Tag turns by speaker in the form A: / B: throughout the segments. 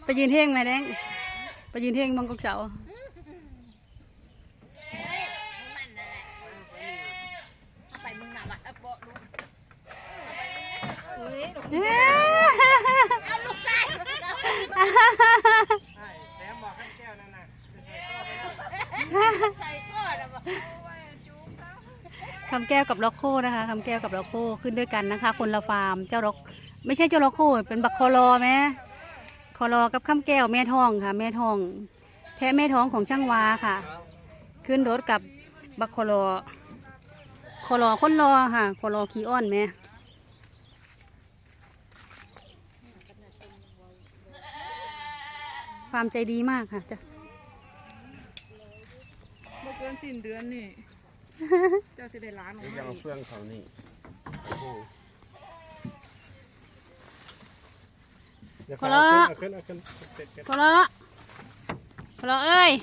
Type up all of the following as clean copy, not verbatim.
A: ไปยืนเท่งไหมแดงไปยืนเท่งมังกรเสา
B: เอาลูกใส่แซมบอกขั้นแก้วนั่นน่ะใส่ก้อนอะบอก
A: คำแก้วกับล็อกโคนะคะคำแก้วกับล็อกโคขึ้นด้วยกันนะคะคนละฟาร์มเจ้าล็อกไม่ใช่เจ้าล็อกโคเป็นบักคอรอไหมคอรอกับคำแก้วแม่ทองค่ะแม่ทองแพะแม่ท้องของช่างวาค่ะขึ้นรถกับบักคอรอคนรอค่ะคอรอขี้อ้อนแม่ฟาร์มใจดีมากค่ะจ้ะ
C: เมื่อเกินสิ้นเดือนนี่ เจ้าสิได้ล้านของ
D: ยังเอาเฟื่องเขานี่
A: คอรอคอรอเอ้ย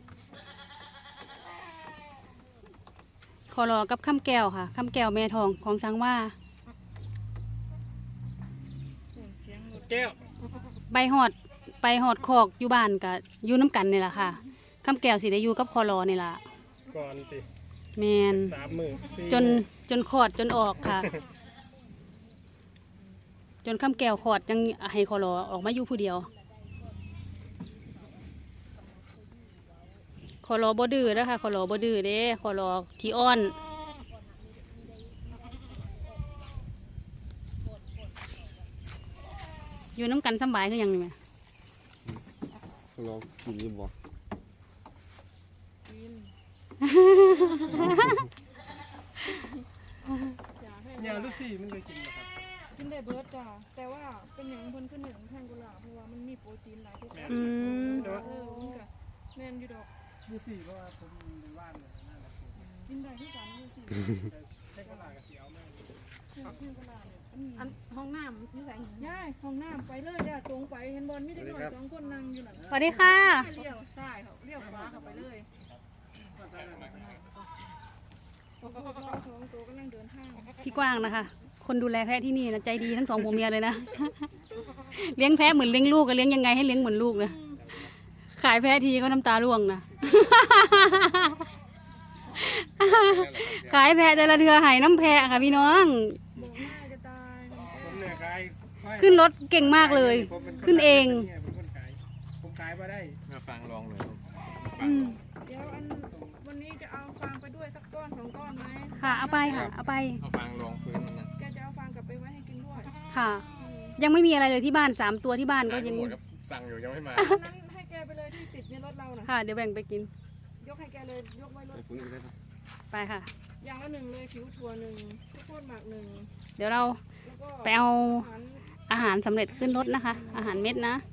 A: คอรอกับข้ามแก้วค่ะข้ามแก้วแม่ทองของสังว่า
B: แก้ว
A: ไปหอดคอกอยู่บ้านกับอยู่น้ำกันนี่แหละค่ะข้ามแก้วสิได้อยู่กับคอรอนี่แหละ
B: ก่อนสิ
A: แมนจนขอดจนออกค่ะ จนข้ามแก้วขอดยังให้คอรอออกมาอยู่ผู้เดียวคอรอบ่ดื้อนะคะคอรอบ่ดื้อเด้คอรอขี้อ้อนอยู่น้ำกันสบายคือยังไง
D: ลองกินดีบ่
B: เนี่ยลูกสี่มันเคยกินไหมครับ
C: กินได้เบิร์ดจ้ะแต่ว่าเป็นอย่างเพิ่นขึ้นหนึ่งแท่งกุหลาบเพราะว่ามันมีโปรตีนหลายทุกอย่างแม่นอยู่ดอก
B: ลูกสี่เพราะว่าผมเป็นบ้านเลยนั่นแหละ
C: กินได้ที่กันลูกสี่
B: แค่กระลากับเสียวแม่
C: อันห้องน้ำนี่ใส่ย่ายห้องน้ำไปเลยจ้ะตรงไปเห็นบอลไม่ได้ก่อน2 คนนั่งอยู่นั่น
A: สวัสดีค่ะ
C: เลี้ยวซ้ายเขาเลี้ยวขวาเขาไปเลยตัวก็นั่งเดินทาง
A: พี่กว้างนะคะคนดูแลแพะที่นี่นะใจดีทั้งสองผัวเมียเลยนะ เลี้ยงแพะเหมือนเลี้ยงลูกก็เลี้ยงยังไงให้เลี้ยงเหมือนลูกนะขายแพะทีก็น้ำตาร่วงนะ ขายแพะแต่ละเดือหายน้ำแพะค่ะพี่น้องขึ้นรถเก่งมากเลยขึ้นเอง
B: ผมขายมาได้มาฟังลองเลย
C: เดี๋ยววันนี้จะเอาฟางไปด้วยสักก้อน2 ก้อนไหม
A: ค่ะเอาไปค่ะเอาไป
B: เอาฟางลองพื้นนะ
C: แกจะเอาฟางกลับไปไว้ให้กินด้วย
A: ค่ะยังไม่มีอะไรเลยที่บ้าน3 ตัวที่บ้านก็ยัง
B: สั่งอยู่ยังไม่มา
C: นั้นให้แกไปเลยที่ติดในรถเราน่ะ
A: ค่ะเดี๋ยวแบ่งไปกิน
C: ยกให้แกเลยยกไว้รถ
A: ไปค่ะ
C: อย่างละ1เลยผิวถั่ว1ข้าวโพดหมัก1
A: เดี๋ยวเราไปเอาอาหารสำเร็จขึ้นรถนะคะอาหารเม็ดนะ